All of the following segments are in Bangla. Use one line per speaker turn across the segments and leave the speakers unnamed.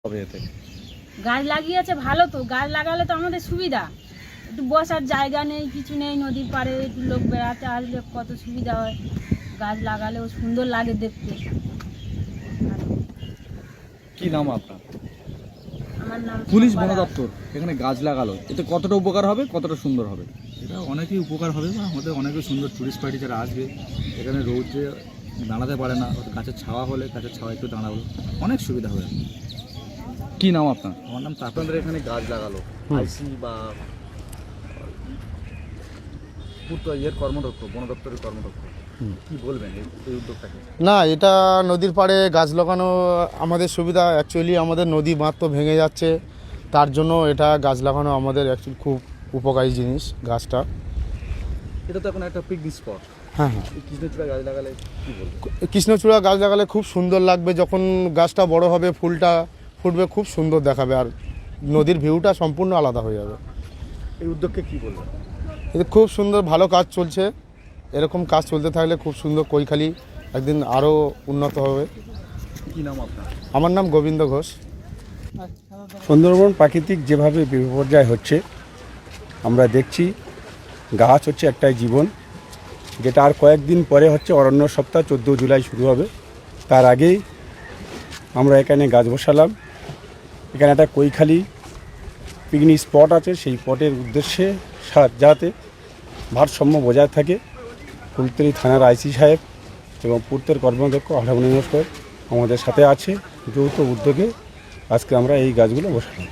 হবে এতে?
গাছ লাগিয়েছে ভালো তো, গাছ লাগালে তো আমাদের সুবিধা। একটু বসার জায়গা নেই, কিছু নেই, নদীর পাড়ে একটু লোক বেড়াতে আসলে কত সুবিধা হয়। গাছ লাগালেও সুন্দর লাগে দেখতে।
কি নাম আপনার?
আমার নাম
পুলিশ
শম্পা
বন
দাস।
দপ্তর এখানে গাছ লাগালো, এতে কতটা উপকার হবে, কতটা সুন্দর হবে?
এটা অনেকই উপকার হবে বা আমাদের অনেকই সুন্দর টুরিস্ট পার্টি যারা আসবে এখানে রোদে দাঁড়াতে পারে না, গাছের ছাওয়া হলে গাছের ছাওয়া একটু দাঁড়াবো, অনেক সুবিধা হবে।
কি নাম আপনার?
আমার নাম তাপন।
আপনাদের এখানে গাছ লাগালো আইসি বা কর্মদক্ষ, বন দপ্তরের কর্মদক্ষ, কি বলবেন এই উদ্যোগটাকে?
না, এটা নদীর পাড়ে গাছ লাগানো আমাদের সুবিধা। অ্যাকচুয়ালি আমাদের নদী বাঁধ তো ভেঙে যাচ্ছে, তার জন্য এটা গাছ লাগানো আমাদের অ্যাকচুয়ালি খুব উপকারী জিনিস গাছটা।
এটা তো এখন একটা পিকনিক স্পট।
হ্যাঁ হ্যাঁ,
এই কৃষ্ণচূড়া গাছ লাগালে কি বলবেন?
কৃষ্ণচূড়া গাছ লাগালে খুব সুন্দর লাগবে। যখন গাছটা বড় হবে, ফুলটা ফুটবে, খুব সুন্দর দেখাবে, আর নদীর ভিউটা সম্পূর্ণ আলাদা হয়ে যাবে।
এই উদ্যোগকে কি বলবেন?
এটা খুব সুন্দর, ভালো কাজ চলছে। এরকম কাজ চলতে থাকলে খুব সুন্দর কৈখালী একদিন আরও উন্নত হবে।
কি নাম আপনার?
আমার নাম গোবিন্দ ঘোষ।
সুন্দরবন প্রাকৃতিক যেভাবে বিপর্যয় হচ্ছে আমরা দেখছি, গাছ হচ্ছে একটাই জীবন, যেটা আর কয়েকদিন পরে হচ্ছে অরণ্য সপ্তাহ 14 জুলাই শুরু হবে। তার আগেই আমরা এখানে গাছ বসালাম। এখানে একটা কৈখালী পিকনিক স্পট আছে, সেই স্পটের উদ্দেশ্যে যাতে ভারসাম্য বজায় থাকে। কুলতলি থানার আইসি সাহেব এবং পূর্তের কর্মদক্ষ আঠামনি নমস্কার আমাদের সাথে আছে। যৌথ উদ্যোগে আজকে আমরা এই গাছগুলো বসালাম।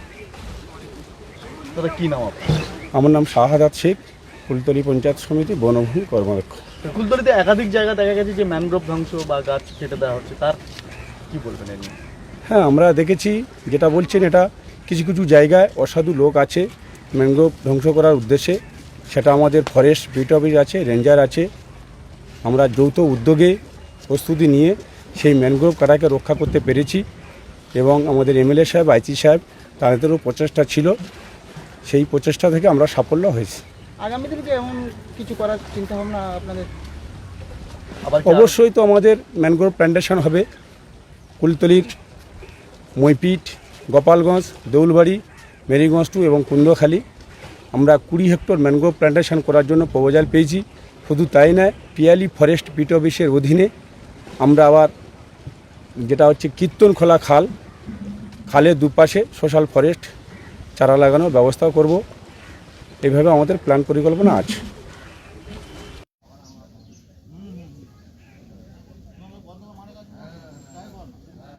দাদা কি নাম আপনার?
আমার নাম শাহাদাত শেখ, কুলতলি পঞ্চায়েত সমিতি বনভূমি কর্মদক্ষ।
কুলতলিতে একাধিক জায়গা দেখা গেছে যে ম্যানগ্রোভ ধ্বংস বা গাছ কেটে দেওয়া হচ্ছে, তার কি বলবেন এই নিয়ে?
হ্যাঁ, আমরা দেখেছি যেটা বলছেন, এটা কিছু কিছু জায়গায় অসাধু লোক আছে ম্যানগ্রোভ ধ্বংস করার উদ্দেশ্যে। সেটা আমাদের ফরেস্ট বিট অফিস আছে, রেঞ্জার আছে। আমরা যৌথ উদ্যোগে প্রস্তুতি নিয়ে সেই ম্যানগ্রোভ কাটাকে রক্ষা করতে পেরেছি এবং আমাদের এমএলএ সাহেব, আইসি সাহেব, তাদেরও প্রচেষ্টা ছিল। সেই প্রচেষ্টা থেকে আমরা সাফল্য হয়েছি।
আগামী দিনে কি এমন কিছু করার চিন্তা ভাবনা আপনাদের?
অবশ্যই তো আমাদের ম্যানগ্রোভ প্ল্যান্টেশন হবে কুলতলির মইপিট, গোপালগঞ্জ, দেউলবাড়ি, মেরিগঞ্জ 2 এবং কুন্দখালী। আমরা 20 হেক্টর ম্যানগ্রোভ প্ল্যান্টেশন করার জন্য প্রপোজাল পেয়েছি। শুধু তাই নয়, পিয়ালি ফরেস্ট বিট অফিসের অধীনে আমরা আবার যেটা হচ্ছে কীর্তনখোলা খাল, খালের দুপাশে সোশ্যাল ফরেস্ট চারা লাগানোর ব্যবস্থা করব। এইভাবে আমাদের প্ল্যান পরিকল্পনা আছে।